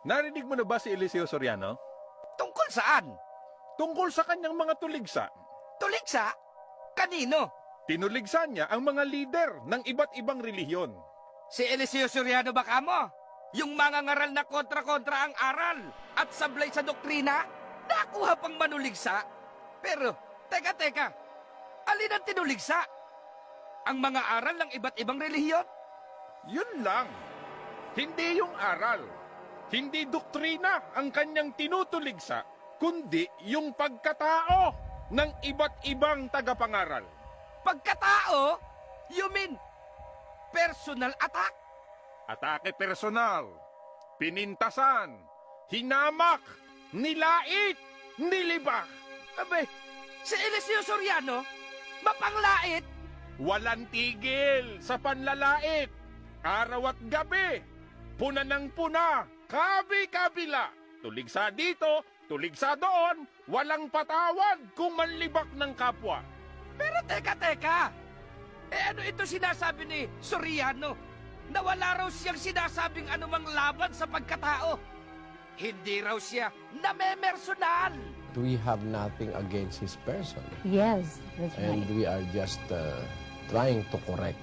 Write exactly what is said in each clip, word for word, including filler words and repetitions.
Narinig mo na ba si Eliseo Soriano? Tungkol saan? Tungkol sa kanyang mga tuligsa. Tuligsa? Kanino? Tinuligsa niya ang mga lider ng iba't ibang relihiyon. Si Eliseo Soriano ba kamo? Yung mga ngaral na kontra-kontra ang aral at sablay sa doktrina? Nakuha pang manuligsa? Pero, teka, teka. Alin ang tinuligsa? Ang mga aral ng iba't ibang relihiyon? Yun lang. Hindi yung aral. Hindi doktrina ang kanyang tinutuligsa, kundi yung pagkatao ng iba't ibang tagapangaral. Pagkatao? You mean, personal attack? Atake personal, pinintasan, hinamak, nilait, nilibak. Abay, si Eliseo Soriano, mapanglait? Walang tigil sa panlalait. Araw at gabi, puna ng puna, kabi-kabila. Tuligsa dito, tuligsa doon, walang patawad kung manlibak ng kapwa. Pero teka, teka. Eh ano ito sinasabi ni Soriano? Na wala raw siyang sinasabing anumang laban sa pagkatao. Hindi raw siya namemersonal. We have nothing against his person. Yes, that's And right. we are just uh, trying to correct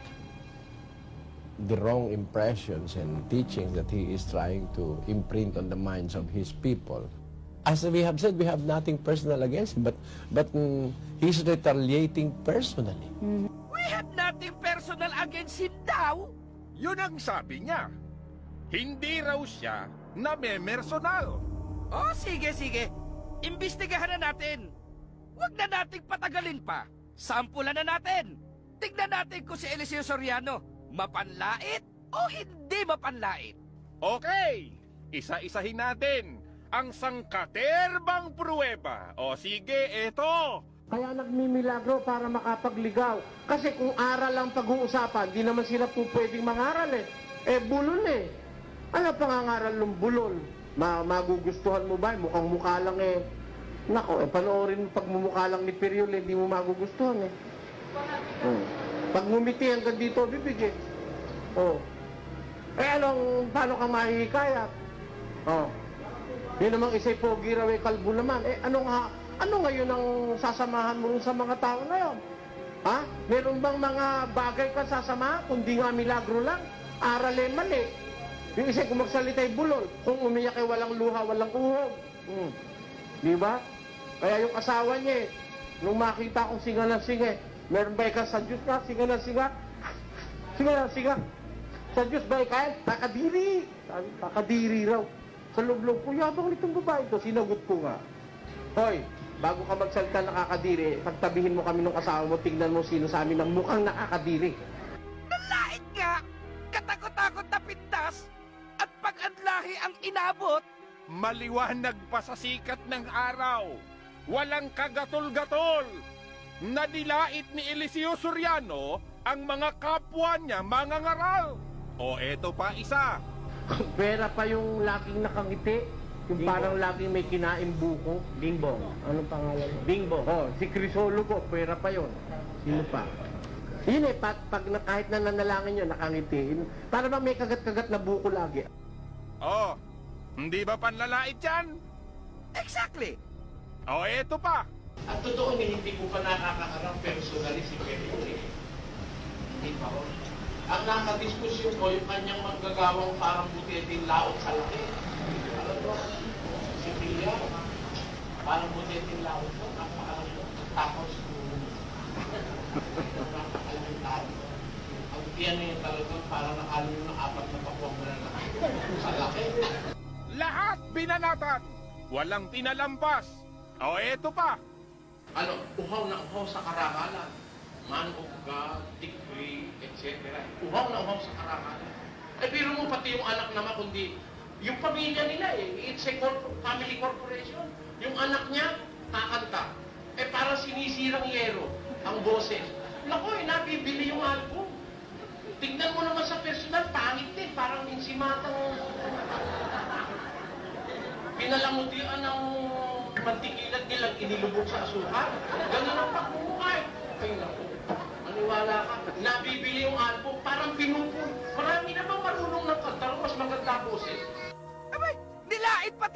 the wrong impressions and teachings that he is trying to imprint on the minds of his people. As we have said, we have nothing personal against him, but, but mm, he's retaliating personally. We have nothing personal against him daw. Yun ang sabi niya. Hindi raw siya namemersonal. Oh, sige, sige. Imbestigahan na natin. Huwag na nating patagalin pa. Sampulan na natin. Tignan natin kung si Eliseo Soriano mapanlait o hindi mapanlait. Okay, isa-isahin natin ang sangkaterbang pruweba. O sige, eto. Kaya nagmimilagro para makapagligaw. Kasi kung aral ang pag-uusapan, di naman sila po pwedeng mangaral eh. Eh, bulol eh. Ano pangangaral ng bulol? Ma magugustuhan mo ba? Mukhang mukha lang eh. Nako, eh, panoorin mo pagmumukha lang ni Periol, eh, di mo magugustuhan eh. Hmm. Pag ngumiti hanggang dito, bibig eh. Oh. Eh, anong, paano ka mahihikayat? Oh. Yun namang isa'y pogi raw eh, kalbo naman. Eh, ano nga, ano ngayon ang sasamahan mo sa mga tao ngayon? Ha? Meron bang mga bagay ka sasamahan? Kundi nga milagro lang. Aral eh mali. Yung isa kung magsalita'y bulol. Kung umiyak ay walang luha, walang uhog. Hmm. Di ba? Kaya yung asawa niya eh, nung makita kong singa ng singa, meron ba ka sa Diyos ka? Singa ng singa? Singa ng singa? Sa Diyos ba ikaw? Kakadiri. Sabi, kakadiri raw. Sa loob-loob ko, yabang nitong babae ito. Sinagot ko nga. Hoy, bago ka magsalita nakakadiri, pagtabihin mo kami ng asawa mo, tignan mo sino sa amin ang mukhang nakakadiri. Nalait nga! Katakot-takot na pintas at pag-adlahi ang inabot. Maliwanag pa sa sikat ng araw. Walang kagatol-gatol. Nadilait ni Eliseo Soriano ang mga kapwa niya mga ngaral. O eto pa isa. Pera pa yung laging nakangiti. Yung Bingbong. parang laging may kinaing buko. Bingbong. Anong pangalan mo? Bingbong. Oh, si Crisologo, pera pa yon. Sino pa? Yun eh, pag, pag na, kahit na nanalangin yun, nakangiti. Yun, para bang may kagat-kagat na buko lagi. O, hindi ba panlalait yan? Exactly. O eto pa. At totoo ni hindi ko pa nakakaharap personally si Perry. Hindi pa ho. Ang nakadiskusyon ko, yung kanyang manggagawang parang butiting laot sa laki. Alam mo, si Pia, parang butiting laot ko, napakalang mo. Tapos, napakalang tao. Ang tiyan niya talagang parang nakalo ng apat na pakuwang na laki. Sa laki. Lahat binanatan. Walang tinalampas. O eto pa. Ano, uhaw na uhaw sa karangalan. Man of God, decree, et cetera. Uhaw na uhaw sa karangalan. Eh, pero mo pati yung anak naman, kundi yung pamilya nila eh. It's a corp family corporation. Yung anak niya, kakanta. Eh, parang sinisirang yero ang boses. Naku, eh, nabibili yung album. Tignan mo naman sa personal, pangit din. Parang insimatang pinalamutian ng mantikilat nilang inilubog sa asukal. Ganun ang pagmumukha eh. Ay, naku. Maniwala ka. Nabibili yung album, parang pinupun. Marami na bang marunong ng kanta, mas maganda boses. Abay,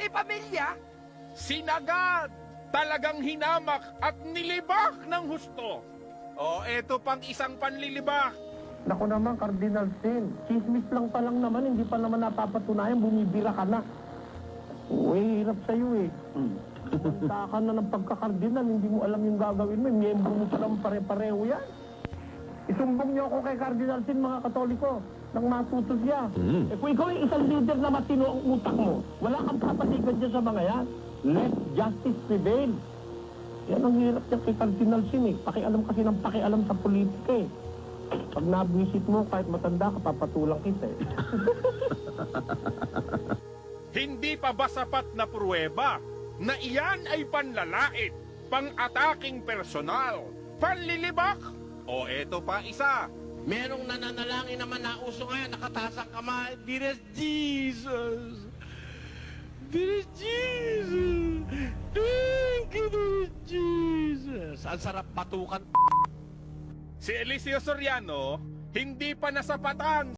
may pamilya. Sinagad, talagang hinamak at nilibak ng husto. O eto pang isang panlilibak. Naku naman, Cardinal Sin. Chismis lang pa lang naman, hindi pa naman napapatunayan, bumibira ka na. Uy, hirap sa'yo eh. Punta ka na ng pagka-cardinal, hindi mo alam yung gagawin mo, miyembro mo pa naman pare-pareho yan. Isumbong niyo ako kay Cardinal Sin, mga Katoliko, nang matuto siya. Eh kung ikaw yung isang leader na matino ang utak mo, wala kang papatigan dyan sa mga yan. Let justice prevail. Yan ang hirap niya kay Cardinal Sin eh. Pakialam kasi ng pakialam sa politika eh. Pag nabwisit mo, kahit matanda ka, papatulang kita eh. Hindi pa ba sapat na pruweba na iyan ay panlalait, pang-ataking personal, panlilibak? O eto pa isa. Merong nananalangin naman na uso ngayon, nakataas ang kamay. Dearest Jesus! Dearest Jesus! Thank you, dearest Jesus! Ang sarap batukan. Si Eliseo Soriano, hindi pa nasapatan